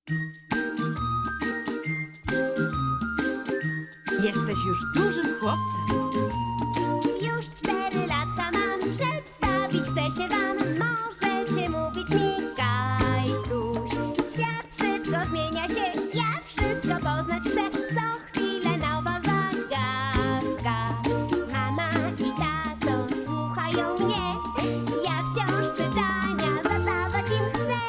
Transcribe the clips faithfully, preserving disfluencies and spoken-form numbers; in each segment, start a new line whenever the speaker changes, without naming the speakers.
Jesteś już dużym chłopcem.
Już cztery latka mam, przedstawić chcę się wam. Możecie mówić mi Kajtuś. Świat szybko zmienia się, ja wszystko poznać chcę. Co chwilę nowa zagadka. Mama i tato słuchają mnie. Ja wciąż pytania zadawać im chcę.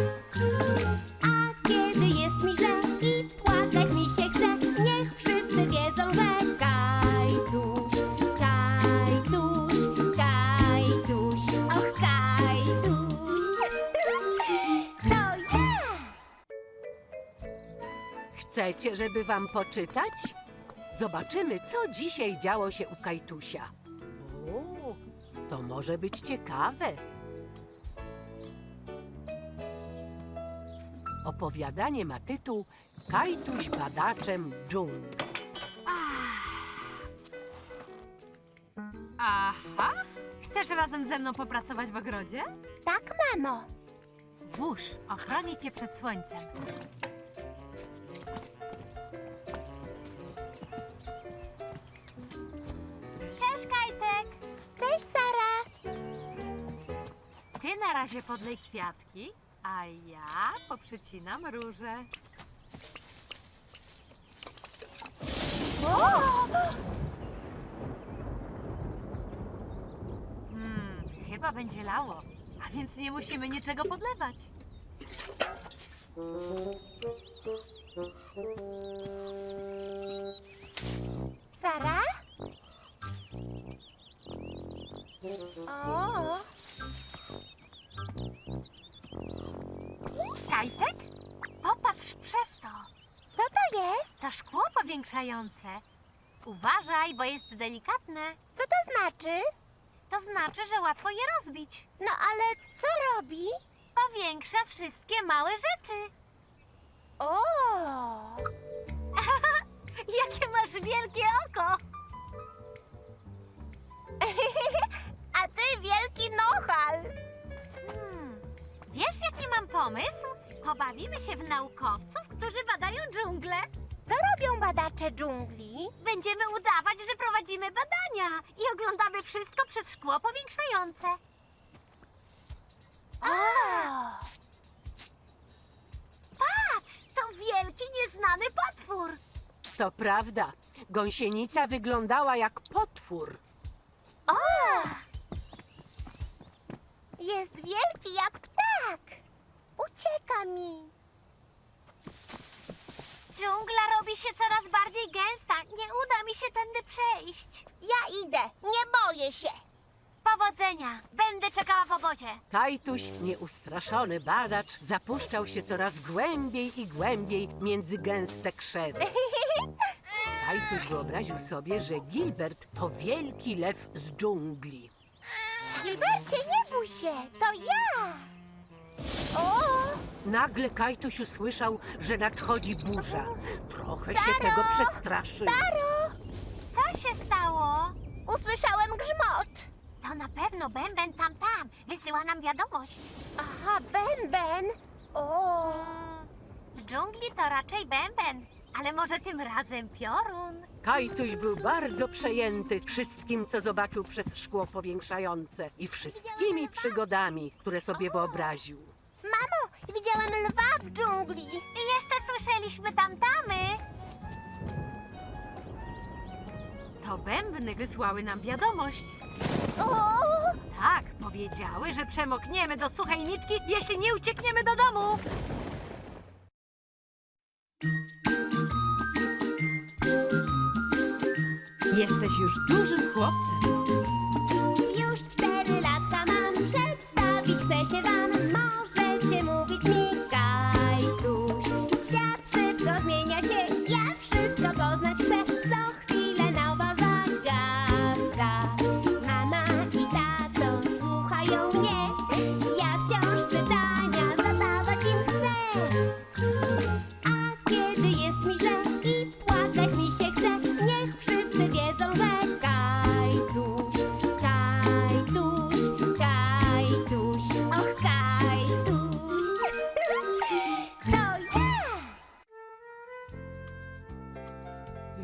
A kiedy jest mi źle i płakać mi się chce, niech wszyscy wiedzą, że Kajtuś, Kajtuś, Kajtuś, och Kajtuś, to ja!
Chcecie, żeby wam poczytać? Zobaczymy, co dzisiaj działo się u Kajtusia. O, to może być ciekawe. Opowiadanie ma tytuł Kajtuś badaczem dżungli.
Aha! Chcesz razem ze mną popracować w ogrodzie?
Tak, mamo.
Wóż ochroni cię przed słońcem. Cześć, Kajtek!
Cześć, Sara.
Ty na razie podlej kwiatki, a ja poprzycinam róże. Hmm, chyba będzie lało, a więc nie musimy niczego podlewać.
Sara? O,
Kajtek? Popatrz przez to.
co to jest?
To szkło powiększające. Uważaj, bo jest delikatne.
Co to znaczy?
To znaczy, że łatwo je rozbić.
No ale co robi?
Powiększa wszystkie małe rzeczy.
O,
Jakie masz wielkie oko!
a ty wielki nohal.
Hmm. Wiesz, jaki mam pomysł? Pobawimy się w naukowców, którzy badają dżunglę.
Co robią badacze dżungli?
Będziemy udawać, że prowadzimy badania i oglądamy wszystko przez szkło powiększające.
O,
Patrz, to wielki, nieznany potwór.
To prawda, gąsienica wyglądała jak potwór.
o! Jest wielki jak ptak. Ucieka mi.
Dżungla robi się coraz bardziej gęsta. Nie uda mi się tędy przejść.
Ja idę, nie boję się.
Powodzenia. Będę czekała w obozie.
Kajtuś, nieustraszony badacz, zapuszczał się coraz głębiej i głębiej między gęste krzewy. Kajtuś wyobraził sobie, że Gilbert to wielki lew z dżungli.
Gilbercie, nie bój się, to ja. O,
Nagle Kajtuś usłyszał, że nadchodzi burza. Trochę się
Saro!
tego przestraszył.
Saro,
Co się stało?
usłyszałem grzmot.
To na pewno bęben tam tam. Wysyła nam wiadomość.
Aha, bęben. O,
W dżungli to raczej bęben, ale może tym razem piorun.
Kajtuś był bardzo przejęty wszystkim, co zobaczył przez szkło powiększające i wszystkimi przygodami, które sobie wyobraził.
mamo, widziałem lwa w dżungli.
I jeszcze słyszeliśmy tamtamy. To bębny wysłały nam wiadomość.
O,
Tak, powiedziały, że przemokniemy do suchej nitki, jeśli nie uciekniemy do domu. Jesteś już dużym chłopcem.
już cztery latka mam, przedstawić chcę się wam. Możecie mówić mi Kajtuś. Świat szybko zmienia się, ja wszystko poznać chcę. Co chwilę nowa zagadka. Mama i tato słuchają mnie. Ja wciąż pytania zadawać im chcę. A kiedy jest mi źle i płakać mi się chce, niech wszyscy wiedzą, że Kajtuś, Kajtuś, Kajtuś, och Kajtuś.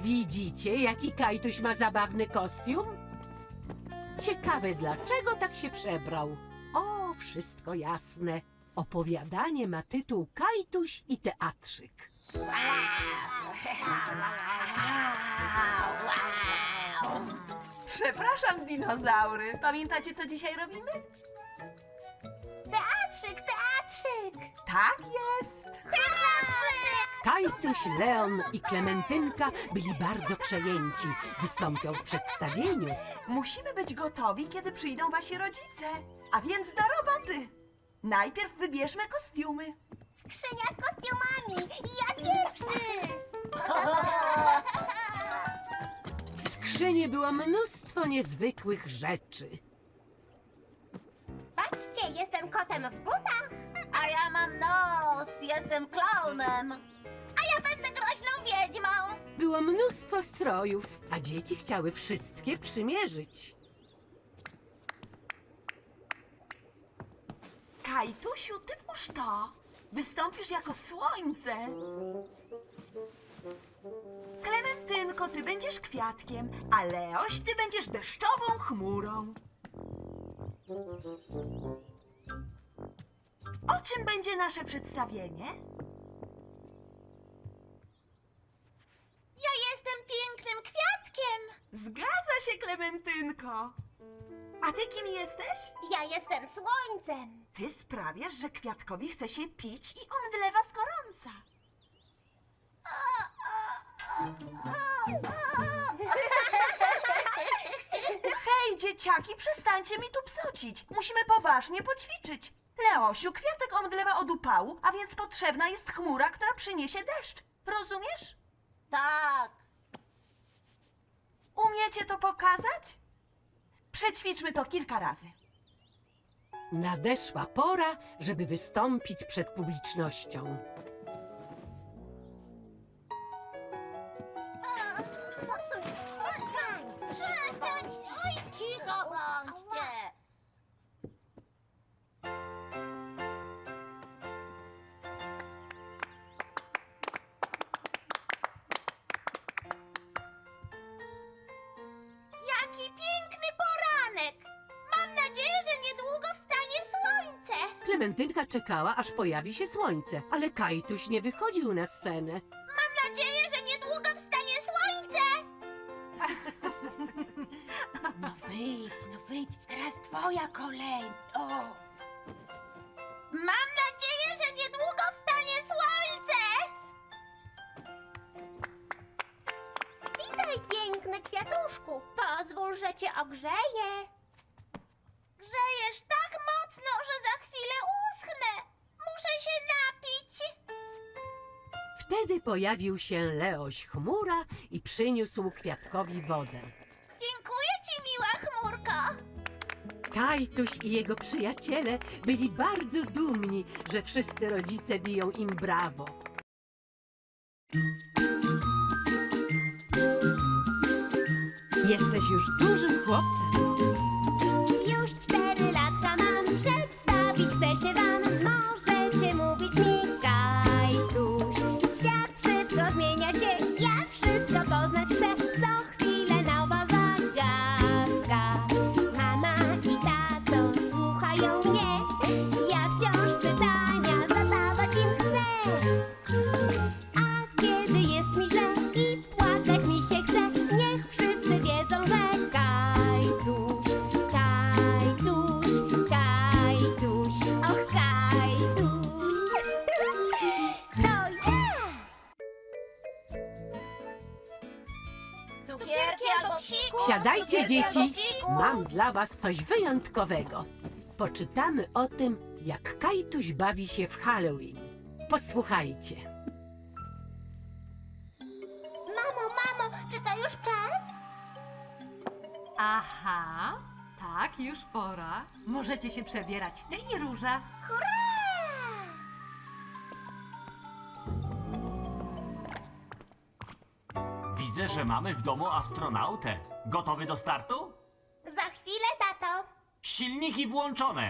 Widzicie, jaki Kajtuś ma zabawny kostium? Ciekawe, dlaczego tak się przebrał. O, wszystko jasne. Opowiadanie ma tytuł Kajtuś i teatrzyk.
Przepraszam, dinozaury. Pamiętacie, co dzisiaj robimy?
Teatrzyk, teatrzyk!
Tak jest.
Teatrzyk!
Kajtuś, Leon i Klementynka byli bardzo przejęci. Wystąpią w przedstawieniu.
Musimy być gotowi, kiedy przyjdą wasi rodzice. A więc do roboty. Najpierw wybierzmy kostiumy.
Skrzynia z kostiumami! Ja pierwszy!
W skrzyni było mnóstwo niezwykłych rzeczy.
Patrzcie, jestem kotem w butach!
A ja mam nos, jestem klaunem.
A ja będę groźną wiedźmą!
Było mnóstwo strojów, a dzieci chciały wszystkie przymierzyć.
Kajtusiu, ty włóż to. Wystąpisz jako słońce. Klementynko, ty będziesz kwiatkiem, a Leoś, ty będziesz deszczową chmurą. O czym będzie nasze przedstawienie?
Ja jestem pięknym kwiatkiem!
Zgadza się, Klementynko. A ty kim jesteś?
Ja jestem słońcem!
Ty sprawiasz, że kwiatkowi chce się pić i omdlewa z gorąca. Hej, dzieciaki, przestańcie mi tu psocić. Musimy poważnie poćwiczyć. Leosiu, kwiatek omdlewa od upału, a więc potrzebna jest chmura, która przyniesie deszcz. Rozumiesz?
Tak!
Umiecie to pokazać? Przećwiczmy to kilka razy.
Nadeszła pora, żeby wystąpić przed publicznością.
Przestań! Przestań! Oj, cicho bądźcie! Jaki piękny poranek! Mam nadzieję, że niedługo wstanie słońce!
Klementynka czekała, aż pojawi się słońce, ale Kajtuś nie wychodził na scenę.
Mam nadzieję, że niedługo wstanie słońce!
No wyjdź, no wyjdź, teraz twoja kolej. O.
Mam nadzieję, że niedługo wstanie słońce! Witaj, piękny kwiatuszku. Pozwól, że cię ogrzeję. Grzejesz tak mocno, że za chwilę uschnę. Muszę się napić.
Wtedy pojawił się Leoś Chmura i przyniósł kwiatkowi wodę.
Dziękuję ci, miła chmurko.
Kajtuś i jego przyjaciele byli bardzo dumni, że wszyscy rodzice biją im brawo.
Jesteś już dużym chłopcem.
Już cztery latka mam, przedstawić chcę się wam. Możecie mówić mi Kajtuś. Świat szybko zmienia się, ja wszystko poznać chcę. Co chwilę nowa zagadka. Mama i tato słuchają mnie. Ja wciąż pytania zadawać im chcę. A kiedy jest mi źle i płakać mi się chce, niech wszyscy wiedzą, że Kajtuś, Kajtuś, Kajtuś, och Kajtuś, to ja!
Cukierki albo psiku.
Siadajcie,
cukierki albo
dzieci!
psiku.
Mam dla was coś wyjątkowego. Poczytamy o tym, jak Kajtuś bawi się w Halloween. Posłuchajcie.
Mamo, mamo, czy to już czas?
Aha, tak, już pora. Możecie się przebierać, ty i Róża.
Hurra!
Widzę, że mamy w domu astronautę. Gotowy do startu?
Za chwilę, tato.
Silniki włączone.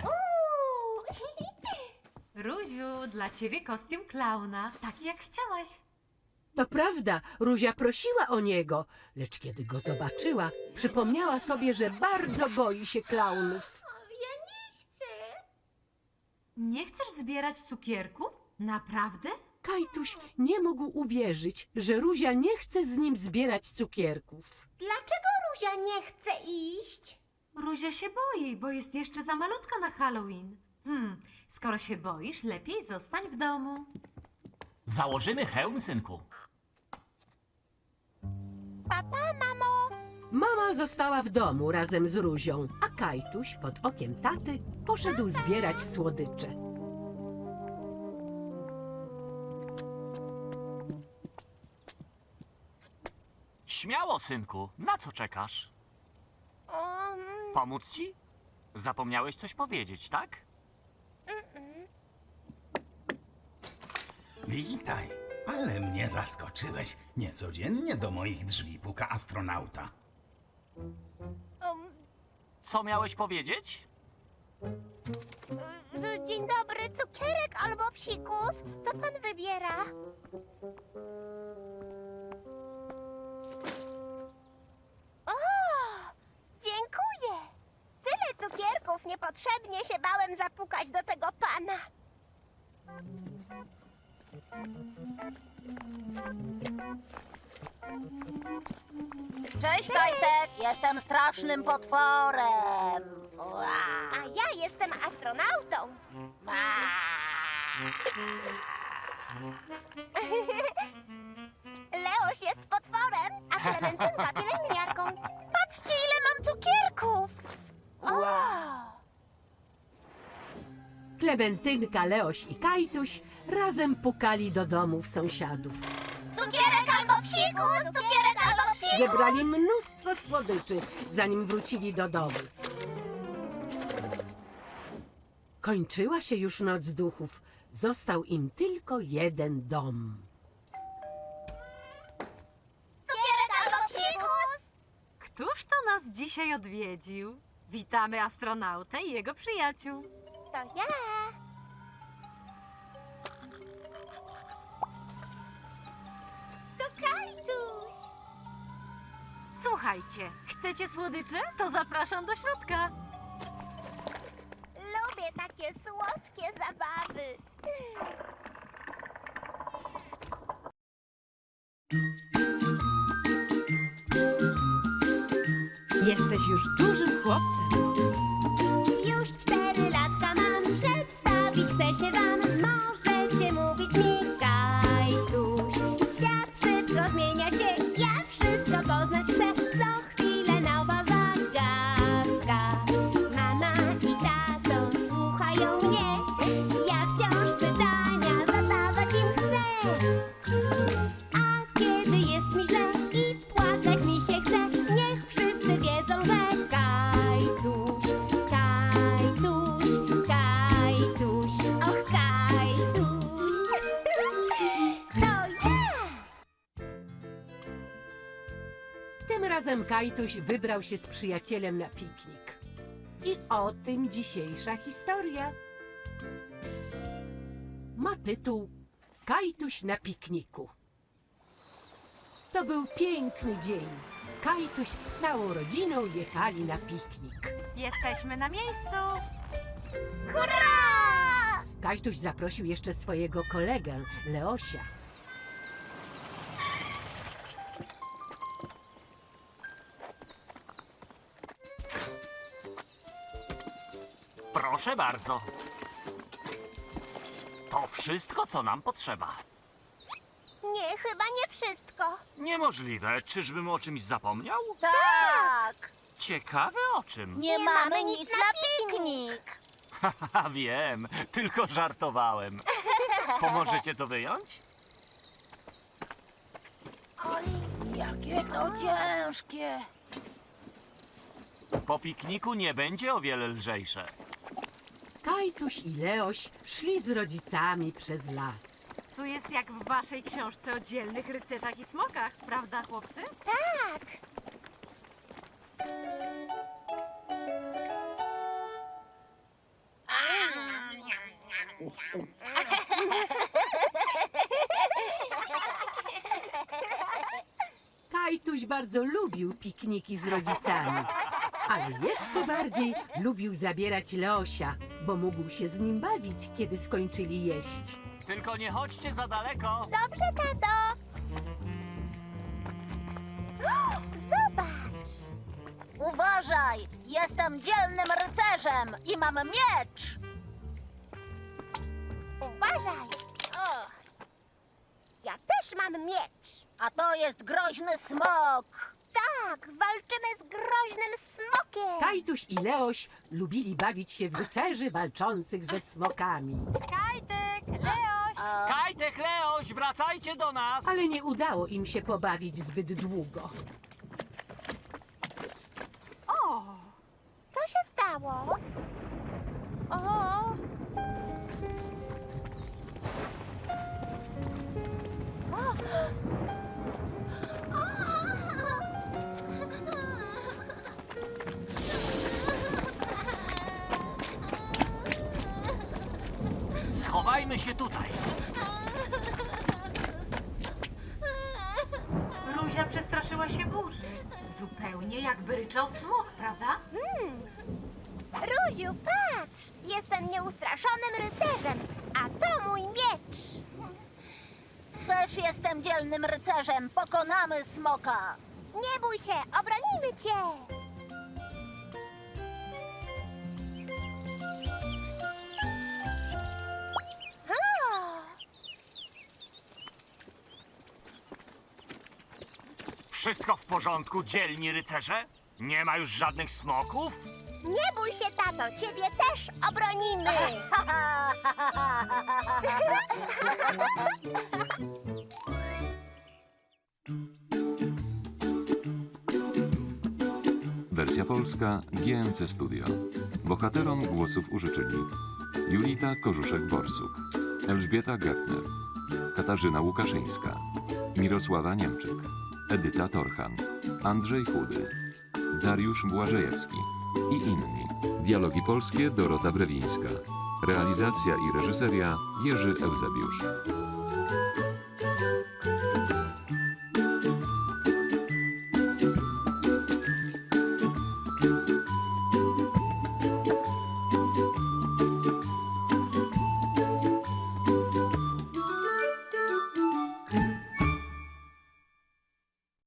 Uuu.
Róziu, dla ciebie kostium klauna, taki jak chciałaś.
To prawda, Ruzia prosiła o niego, lecz kiedy go zobaczyła, przypomniała sobie, że bardzo boi się klaunów.
Nie chcesz zbierać cukierków? Naprawdę?
Kajtuś nie mógł uwierzyć, że Ruzia nie chce z nim zbierać cukierków.
Dlaczego Ruzia nie chce iść?
Ruzia się boi, bo jest jeszcze za malutka na Halloween. Hmm, skoro się boisz, lepiej zostań w domu.
Założymy hełm, synku.
Papa, mamo.
Mama została w domu razem z Ruzią, a Kajtuś pod okiem taty poszedł zbierać słodycze.
Śmiało, synku. Na co czekasz?
Um,
Pomóc ci? Zapomniałeś coś powiedzieć, tak?
Witaj, ale mnie zaskoczyłeś. Niecodziennie do moich drzwi puka astronauta.
um,
Co miałeś powiedzieć?
y, dzień dobry, cukierek albo psikus? Co pan wybiera? O, dziękuję. Tyle cukierków, niepotrzebnie się bałem zapukać do tego pana.
Cześć, Kajtek! Jestem strasznym potworem. Ua.
A ja jestem astronautą. Leoś jest potworem, a Klementynka pielęgniarką. Patrzcie, ile mam cukierków! O!
Klementynka, Leoś i Kajtuś razem pukali do domów sąsiadów.
Cukierek albo psikus! Cukierek albo psikus!
Zebrali mnóstwo słodyczy, zanim wrócili do domu. Kończyła się już noc duchów. Został im tylko jeden dom.
Cukierek albo psikus!
Któż to nas dzisiaj odwiedził? Witamy astronautę i jego przyjaciół.
To ja. To Kajtuś.
Słuchajcie, chcecie słodycze? To zapraszam do środka.
Lubię takie słodkie zabawy.
Jesteś już dużym chłopcem.
Już cztery latka mam, przedstawić chcę się wam. Możecie mówić mi Kajtuś. Świat szybko zmienia się, ja wszystko poznać chcę. Co chwilę nowa zagadka. Mama i tato słuchają mnie. Ja wciąż pytania zadawać im chcę. A kiedy jest mi źle i płakać mi się chce, niech wszyscy wiedzą, że Kajtuś, Kajtuś, Kajtuś, och Kajtuś, to ja!
Tym razem Kajtuś wybrał się z przyjacielem na piknik. I o tym dzisiejsza historia. Ma tytuł Kajtuś na pikniku. To był piękny dzień. Kajtuś z całą rodziną jechali na piknik.
Jesteśmy na miejscu.
Hurra!
Kajtuś zaprosił jeszcze swojego kolegę, Leosia.
Proszę bardzo. To wszystko, co nam potrzeba.
Nie, chyba nie wszystko.
Niemożliwe. Czyżbym o czymś zapomniał?
Tak!
Ciekawe o czym.
Nie,
Nie
mamy
mamy
nic
nic
na
na
piknik.
Haha, wiem. Tylko żartowałem. Pomożecie to wyjąć?
Oj, jakie to ciężkie.
Po pikniku nie będzie o wiele lżejsze.
Kajtuś i Leoś szli z rodzicami przez las.
Tu jest jak w waszej książce o dzielnych rycerzach i smokach, prawda, chłopcy?
Tak.
bardzo lubił pikniki z rodzicami. Ale jeszcze bardziej lubił zabierać Leosia, bo mógł się z nim bawić, kiedy skończyli jeść.
Tylko nie chodźcie za daleko.
Dobrze, tato. O, zobacz.
Uważaj, jestem dzielnym rycerzem i mam miecz.
Uważaj. O. Ja też mam miecz.
A to jest groźny smok.
Tak, walczymy z groźnym smokiem.
Kajtuś i Leoś lubili bawić się w rycerzy walczących ze smokami.
Kajtek, Leoś!
Kajtek, Leoś, wracajcie do nas!
Ale nie udało im się pobawić zbyt długo.
O, co się stało? O.
Schowajmy się tutaj.
Ruzia przestraszyła się burzy. Zupełnie jakby ryczał smok, prawda?
Ruziu, patrz! Jestem nieustraszonym rycerzem, a to mój miecz.
Też jestem dzielnym rycerzem. Pokonamy smoka.
Nie bój się, obronimy cię. O,
Wszystko w porządku, dzielni rycerze? Nie ma już żadnych smoków?
nie bój się, tato, ciebie też obronimy.
Wersja polska G N C Studio. Bohaterom głosów użyczyli Julita Korzuszek-Borsuk, Elżbieta Gertner, Katarzyna Łukaszyńska, Mirosława Niemczyk, Edyta Torchan, Andrzej Chudy, Dariusz Błażejewski i inni. Dialogi polskie Dorota Brewińska. Realizacja i reżyseria Jerzy Eusebiusz.